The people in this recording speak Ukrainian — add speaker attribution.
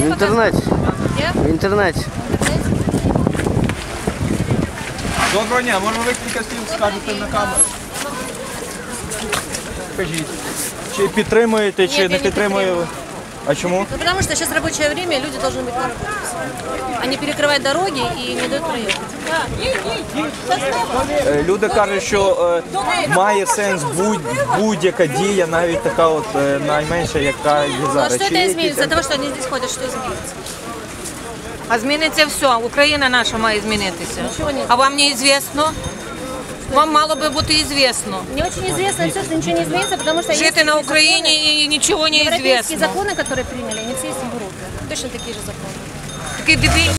Speaker 1: В інтернеті.
Speaker 2: Є?
Speaker 1: В інтернеті.
Speaker 3: Доброго дня, може ви кілька слів скажете на камеру? Скажіть, чи підтримуєте, чи
Speaker 2: Ні, я
Speaker 3: не
Speaker 2: не
Speaker 3: підтримуєте? А чому?
Speaker 2: Ну, потому что сейчас рабочее время, и люди должны быть на работе. Они перекрывают дороги и не дают проехать.
Speaker 3: Люди кажуть, що має сенс будь-яка дія, навіть така от найменша, яка є
Speaker 2: Ну, а
Speaker 3: зараз.
Speaker 2: что
Speaker 3: Чи
Speaker 2: это
Speaker 3: є
Speaker 2: изменится?
Speaker 3: якісь-
Speaker 2: От того, что они здесь ходят, что изменится?
Speaker 4: А зміниться все. Україна наша має змінитися.
Speaker 2: Нічого не
Speaker 4: А вам не известно? Вам мало би бути известно.
Speaker 2: Мне очень известно все, что ничего не изменится, потому что
Speaker 4: Жити на Україні і нічого не
Speaker 2: европейские
Speaker 4: известно.
Speaker 2: законы, которые приняли, они все есть в Европе. Точно такие же законы.
Speaker 4: Такий дебіль.